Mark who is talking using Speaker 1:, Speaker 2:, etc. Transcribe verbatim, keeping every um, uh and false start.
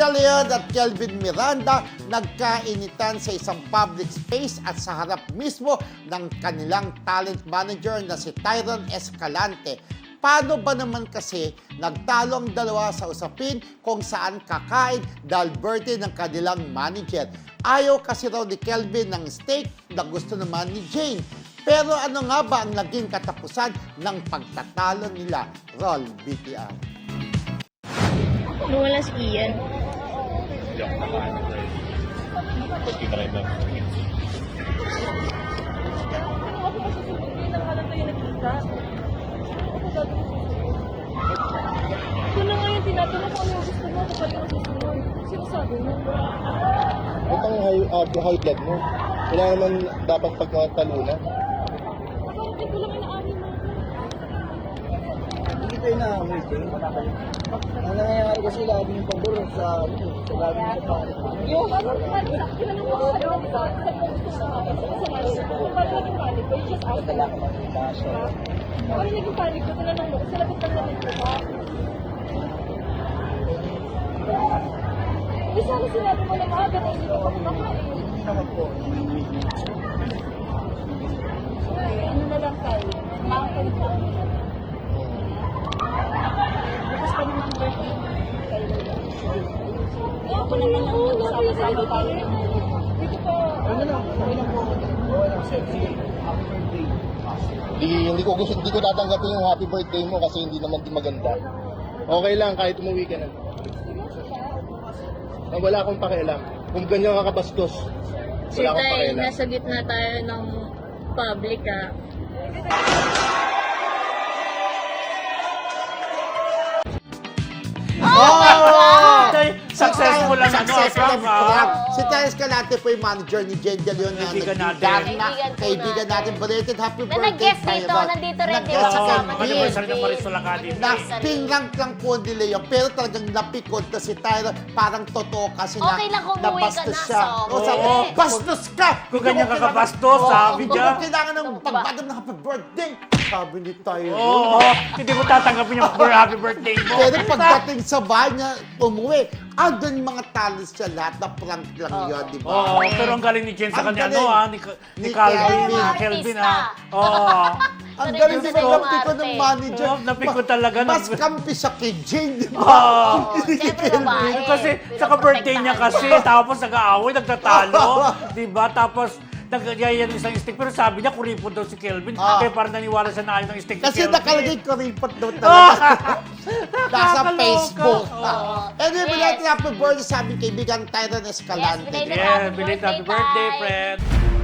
Speaker 1: De Leon at Kelvin Miranda nagkainitan sa isang public space at sa harap mismo ng kanilang talent manager na si Tyron Escalante. Paano ba naman kasi nagtalo ang dalawa sa usapin kung saan kakain dahil birthday ng kanilang manager? Ayaw kasi raw ni Kelvin ng steak na gusto naman ni Jane. Pero ano nga ba ang naging katapusan ng pagtatalo nila? Roll B T R.
Speaker 2: Nung wala si Ian.
Speaker 3: Hindi ako nakain ng rice. Pati ka rin ba?
Speaker 4: Ako kasi hindi na nga lang tayo nakita. Ako gagawin susunod. Ito na nga yung tinatanong ko ano yung gusto mo, kapag yung susunod. Sinasabi mo.
Speaker 5: Ito ang high, uh, high blood mo. Wala naman dapat pagkatalunan.
Speaker 4: Ako hindi ko lang inaari mo.
Speaker 5: Hindi tayo na-away kayo. Ang nangyayari kasi lagi yung pabor sa sa lagi yung pabor.
Speaker 4: Yung ano, tinanong mo sa loob ka, sa kung gusto mo namin, sa kasalanan ko. Kung paano naging panic ko, you just ask the lang. Paano naging panic ko, tinanong mo, sa lagot ng lagot ko ba? Eh, sana sinabi mo na maaga na hindi ka pa kumakain.
Speaker 5: Hindi naman po.
Speaker 4: Ay, ano na lang tayo? Makakalit lang. Bukas pa naman ang birthday. Ako naman ang magsama-sama tayo. Dito pa.
Speaker 5: Ano lang, okay lang po. Okay lang, sexy. Happy birthday. Hindi, hindi ko gusto, hindi ko tatanggapin yung happy birthday mo kasi hindi naman din maganda. Okay lang, kahit umuwi ka na. Na wala akong pakialam. Kung ganyan ka kabastos,
Speaker 2: Kasi
Speaker 5: wala akong
Speaker 2: tayo,
Speaker 5: pakialam.
Speaker 2: nasa gitna tayo ng public ah.
Speaker 1: Oh!
Speaker 3: Successful ang ano,
Speaker 1: Successful
Speaker 3: prank,
Speaker 1: ang
Speaker 3: ah.
Speaker 1: prank. Si Tyron Escalante po yung manager ni Jane De Leon na
Speaker 3: Kaibigan natin.
Speaker 1: nagbigan na.
Speaker 6: Kaibigan po
Speaker 1: Kaibigan natin.
Speaker 6: natin.
Speaker 1: Belated happy
Speaker 6: Na
Speaker 1: birthday,
Speaker 6: nag-guest dito,
Speaker 1: Tyron.
Speaker 6: nandito rin, di
Speaker 1: Nag-guest
Speaker 6: ba?
Speaker 1: sa
Speaker 3: Oo,
Speaker 6: Kasama
Speaker 1: Kelvin.
Speaker 3: anniversary ng Marisol Academy.
Speaker 1: Na pinrank lang po ni Leon, pero talagang napikot na si Tyron. Parang totoo kasi na
Speaker 6: Okay lang kung umuwi ka
Speaker 1: nabastos
Speaker 6: na,
Speaker 1: siya.
Speaker 6: so,
Speaker 1: O sabi,
Speaker 3: oo.
Speaker 1: bastos ka!
Speaker 3: Kung ganyan
Speaker 1: Hindi mo
Speaker 3: ka kabastos,
Speaker 1: kailangan-
Speaker 3: sabi
Speaker 1: Oo,
Speaker 3: niya.
Speaker 1: Hindi mo kailangan ng pagbadam ng happy birthday. Sabi ni Tyron.
Speaker 3: Oo, hindi mo tatanggapin yung happy birthday mo.
Speaker 1: Pero pagdating sa bahay niya, umuwi, andun yung mga talents siya lahat na prank lang yun, di ba?
Speaker 3: Oo, pero ang galing ni Jen sa
Speaker 1: Ang
Speaker 3: kanya,
Speaker 1: galing.
Speaker 3: ano ah, ni,
Speaker 1: Ni
Speaker 3: ni Calvin,
Speaker 1: Kelvin.
Speaker 3: ni Kelvin
Speaker 6: Artista.
Speaker 3: ah. Oo.
Speaker 1: Ang
Speaker 6: Ito
Speaker 1: galing
Speaker 6: rin
Speaker 1: din
Speaker 6: yung
Speaker 1: ng
Speaker 6: arte.
Speaker 1: ko ng manager.
Speaker 3: Oo, napikot
Speaker 1: Ma-
Speaker 3: talaga ng-
Speaker 1: Mas kampi siya kay Jane, di ba?
Speaker 3: Oo.
Speaker 6: Siyempre babae.
Speaker 3: Kasi sa ka-birthday niya kasi, tapos nag-aaway, nagtatalo, di ba? Tapos, nagyayan isang stick. Pero sabi niya, kuripot daw si Kelvin.
Speaker 1: Ah.
Speaker 3: Kaya parang naniwala siya na ayaw ng stick
Speaker 1: Kasi
Speaker 3: ni Kelvin.
Speaker 1: nakalagay ko report daw talaga. Nasa
Speaker 3: Nakakaloka.
Speaker 1: Facebook.
Speaker 3: Oo.
Speaker 1: Anyway,
Speaker 6: Yes.
Speaker 1: belated happy birthday sa aming kaibigan Tyron Escalante.
Speaker 6: Yes, belated
Speaker 3: Yeah, belated happy birthday,
Speaker 6: Tay.
Speaker 3: friend.